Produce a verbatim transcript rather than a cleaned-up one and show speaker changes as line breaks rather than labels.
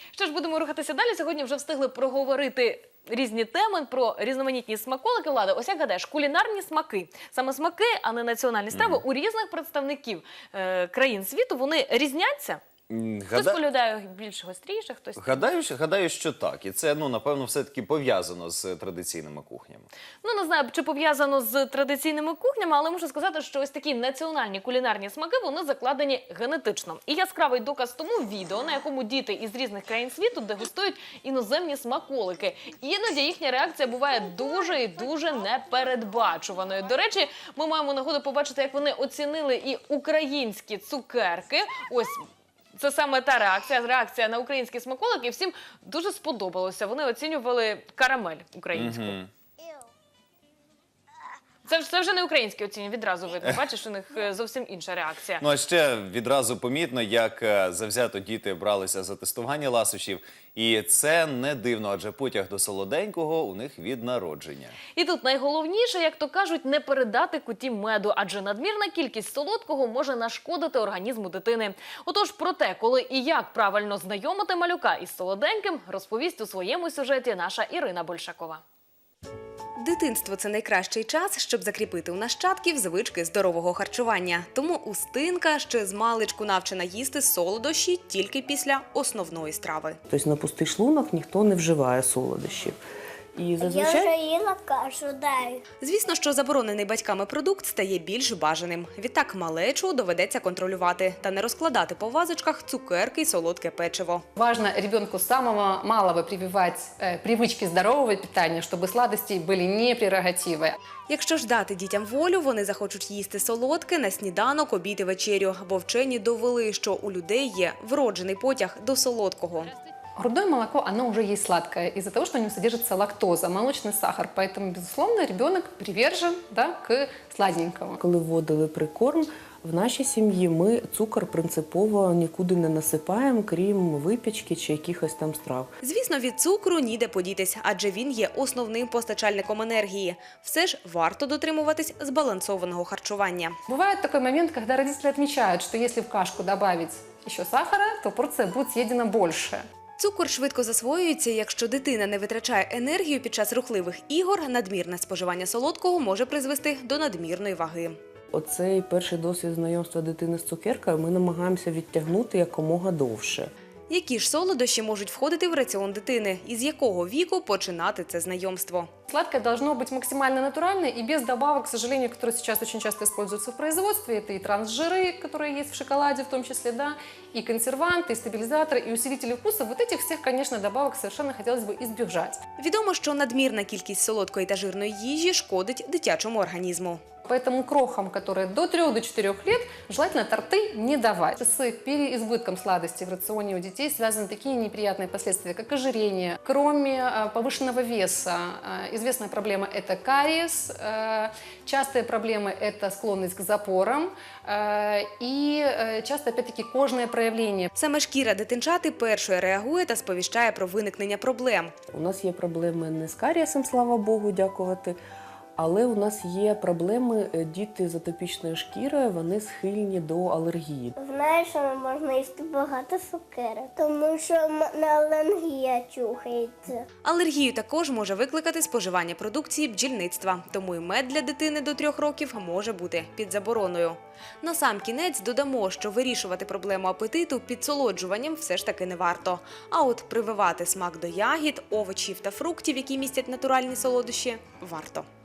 Що ж, будемо рухатися далі. Сьогодні вже встигли проговорити різні теми про різноманітні смаколики. Влада, ось як гадаєш, кулінарні смаки, саме смаки, а не національні страви, mm-hmm. у різних представників е, країн світу, вони різняться? Хтось
Гада...
полюбляє більш гостріше, хтось...
Гадаю, гадаю, що так. І це, ну, напевно, все-таки пов'язано з традиційними кухнями.
Ну, не знаю, чи пов'язано з традиційними кухнями, але можу сказати, що ось такі національні кулінарні смаки, вони закладені генетично. І яскравий доказ тому відео, на якому діти із різних країн світу дегустують іноземні смаколики. Іноді їхня реакція буває дуже і дуже непередбачуваною. До речі, ми маємо нагоду побачити, як вони оцінили і українські цукерки. Ось... Це саме та реакція, реакція на українські смаколики. І всім дуже сподобалося. Вони оцінювали карамель українську. Mm-hmm. Це, це вже не українські оцінюють, відразу видно. Бачиш, у них зовсім інша реакція.
Ну, а ще відразу помітно, як завзято діти бралися за тестування ласощів. І це не дивно, адже потяг до солоденького у них від народження.
І тут найголовніше, як то кажуть, не передати куті меду, адже надмірна кількість солодкого може нашкодити організму дитини. Отож, про те, коли і як правильно знайомити малюка із солоденьким, розповість у своєму сюжеті наша Ірина Большакова.
Дитинство – це найкращий час, щоб закріпити у нащадків звички здорового харчування. Тому Устинка ще з маличку навчена їсти солодощі тільки після основної страви.
Тобто на пустий шлунок ніхто не вживає солодощів. І зазвичай...
Я вже їла кашу, дай.
Звісно, що заборонений батьками продукт стає більш бажаним. Відтак малечу доведеться контролювати та не розкладати по вазочках цукерки й солодке печиво.
Важно ребенку с самого малого прививать э, привычки здорового питания, чтобы сладости были не прерогативой.
Якщо ж дати дітям волю, вони захочуть їсти солодке на сніданок, обід і вечерю. Бо вчені довели, що у людей є вроджений потяг до солодкого.
Грудное молоко, оно уже есть сладкое из-за того, что в нем содержится лактоза, молочный сахар. Поэтому, безусловно, ребенок привержен, да, к сладенькому.
Коли вводили прикорм, в нашій сім'ї ми цукор принципово нікуди не насипаємо, крім випічки чи якихось там страв.
Звісно, від цукру ніде подітись, адже він є основним постачальником енергії. Все ж варто дотримуватись збалансованого харчування.
Бывает такой момент, когда родители отмечают, что если в кашку добавить еще сахара, то порция будет съедена больше.
Цукор швидко засвоюється, якщо дитина не витрачає енергію під час рухливих ігор, надмірне споживання солодкого може призвести до надмірної ваги.
Оцей перший досвід знайомства дитини з цукеркою ми намагаємося відтягнути якомога довше.
Які ж солодощі можуть входити в раціон дитини? І з якого віку починати це знайомство?
Сладкое должно быть максимально натуральное и без добавок, к сожалению, которые сейчас очень часто используются в производстве. Это и трансжиры, которые есть в шоколаде в том числе, да, и консерванты, и стабилизаторы, и усилители вкуса. Вот этих всех, конечно, добавок совершенно хотелось бы избежать.
Відомо, що надмірна кількість солодкої та жирної їжі шкодить дитячому організму.
Поэтому крохам, которые до трёх-четырёх лет, желательно торты не давать. С переизбытком сладости в рационе у детей связаны такие неприятные последствия, как ожирение. Кроме повышенного веса, известная проблема – это кариес, частые проблемы – это склонность к запорам и часто, опять-таки, кожные проявления.
Саме шкіра дитинчати першою реагує та сповіщає про виникнення проблем.
У нас є проблеми не з карієсом, слава Богу, дякувати. Але у нас є проблеми, діти з атопічною шкірою, вони схильні до алергії.
Знаєш, що не можна їсти багато цукерок, тому що в мене алергія чухається.
Алергію також може викликати споживання продукції бджільництва, тому і мед для дитини до трьох років може бути під забороною. На сам кінець додамо, що вирішувати проблему апетиту підсолоджуванням все ж таки не варто. А от прививати смак до ягід, овочів та фруктів, які містять натуральні солодощі, варто.